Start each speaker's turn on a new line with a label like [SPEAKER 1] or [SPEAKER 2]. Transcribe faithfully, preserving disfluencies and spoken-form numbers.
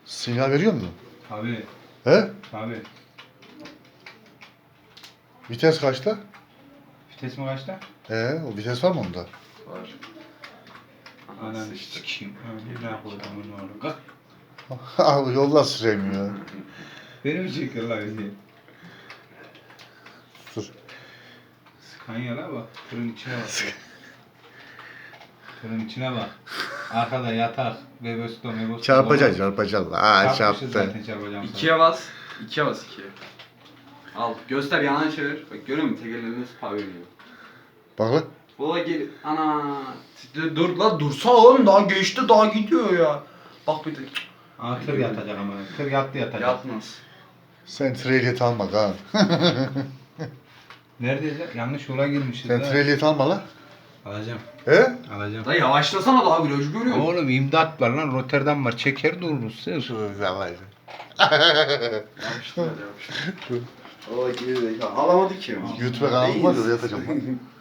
[SPEAKER 1] Sinyal veriyor mu?
[SPEAKER 2] Tabii.
[SPEAKER 1] He?
[SPEAKER 2] Tabii.
[SPEAKER 1] Vites kaçta?
[SPEAKER 2] Vites mi kaçta?
[SPEAKER 1] He, o vites var mı onda?
[SPEAKER 3] Var.
[SPEAKER 2] Ananı sikeyim. Ne yapalım bunu oğlum? Kalk.
[SPEAKER 1] Abi yolda süreyim ya.
[SPEAKER 2] Beni mi çekiyor lan bizi?
[SPEAKER 1] Dur.
[SPEAKER 2] Skanya'la bak. Tırın içine bak. Tırın içine bak. Arkada yatak. Webesto, Webesto.
[SPEAKER 1] Çarpacaksın çarpacaksın. Aa
[SPEAKER 2] Çarpmışız
[SPEAKER 1] çarptı.
[SPEAKER 2] zaten çarpacağım sana.
[SPEAKER 3] İkiye bas. İkiye bas ikiye. Al. Göster yanan çevir. Bak görüyor musun? Tek elinde spa veriyor.
[SPEAKER 1] Bak lan.
[SPEAKER 3] Baba gel. Ana. Dur, dur la dursa oğlum daha geçti daha gidiyor ya. Bak bir de.
[SPEAKER 2] Aa, tır yatacak ama. Tır yattı yatacak.
[SPEAKER 3] Yatmaz.
[SPEAKER 1] Sen trehliyet alma kan.
[SPEAKER 2] Neredeyiz lan? Yanlış yola girmişiz.
[SPEAKER 1] Sen
[SPEAKER 2] ha.
[SPEAKER 1] trehliyet alma lan.
[SPEAKER 2] Alacağım.
[SPEAKER 1] He?
[SPEAKER 2] Alacağım.
[SPEAKER 3] Da yavaşlasana daha virajı görüyor musun?
[SPEAKER 2] Oğlum imdat var lan. Rotterdam var. Çeker dururuz. Sır.
[SPEAKER 1] Dur yavaş.
[SPEAKER 3] Yavaşlar yavaşlar. Baba geri zekalı. Alamadı ki.
[SPEAKER 1] YouTube kanalı var ya yatacağım lan.